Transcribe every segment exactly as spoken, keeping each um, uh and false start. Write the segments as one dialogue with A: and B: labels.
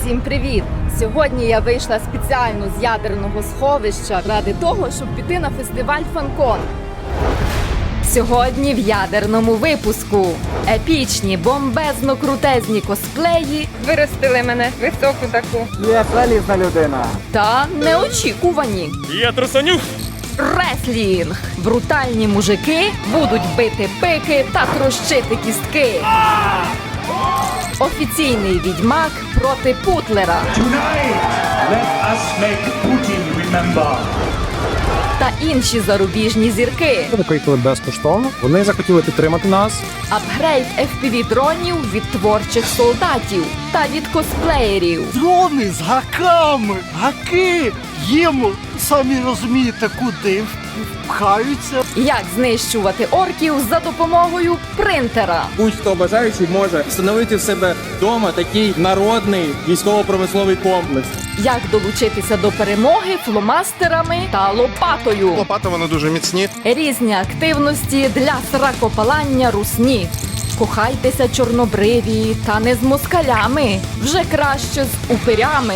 A: Всім привіт! Сьогодні я вийшла спеціально з ядерного сховища ради того, щоб піти на фестиваль Фанкон. Сьогодні в ядерному випуску епічні, бомбезно-крутезні косплеї
B: Виростили мене високу таку.
C: Є залізна людина.
A: та неочікувані.
D: Я трусанюк!
A: Реслінг! Брутальні мужики будуть бити пики та трощити кістки. Офіційний відьмак проти Путлера.
E: Tonight, let us make Putin remember.
A: Та інші зарубіжні зірки.
C: Викликали безкоштовно. Вони захотіли підтримати нас.
A: Апгрейд еф пі ві-дронів від творчих солдатів та від косплеєрів.
F: Дрони з гаками, гаки, їм, самі розумієте, куди пхаються.
A: Як знищувати орків за допомогою принтера.
G: Будь-хто бажаючий може встановити в себе вдома такий народний військово-промисловий комплекс.
A: Як долучитися до перемоги фломастерами та лопатою.
H: Лопати вони дуже міцні.
A: Різні активності для сракопалання русні. Кохайтеся чорнобриві та не з москалями, вже краще з упирями.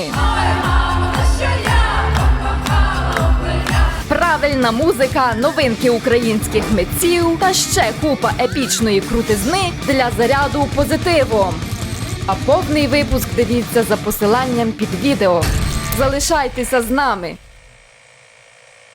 A: Правильна музика, новинки українських митців та ще купа епічної крутизни для заряду позитивом. А повний випуск дивіться за посиланням під відео. Залишайтеся з нами!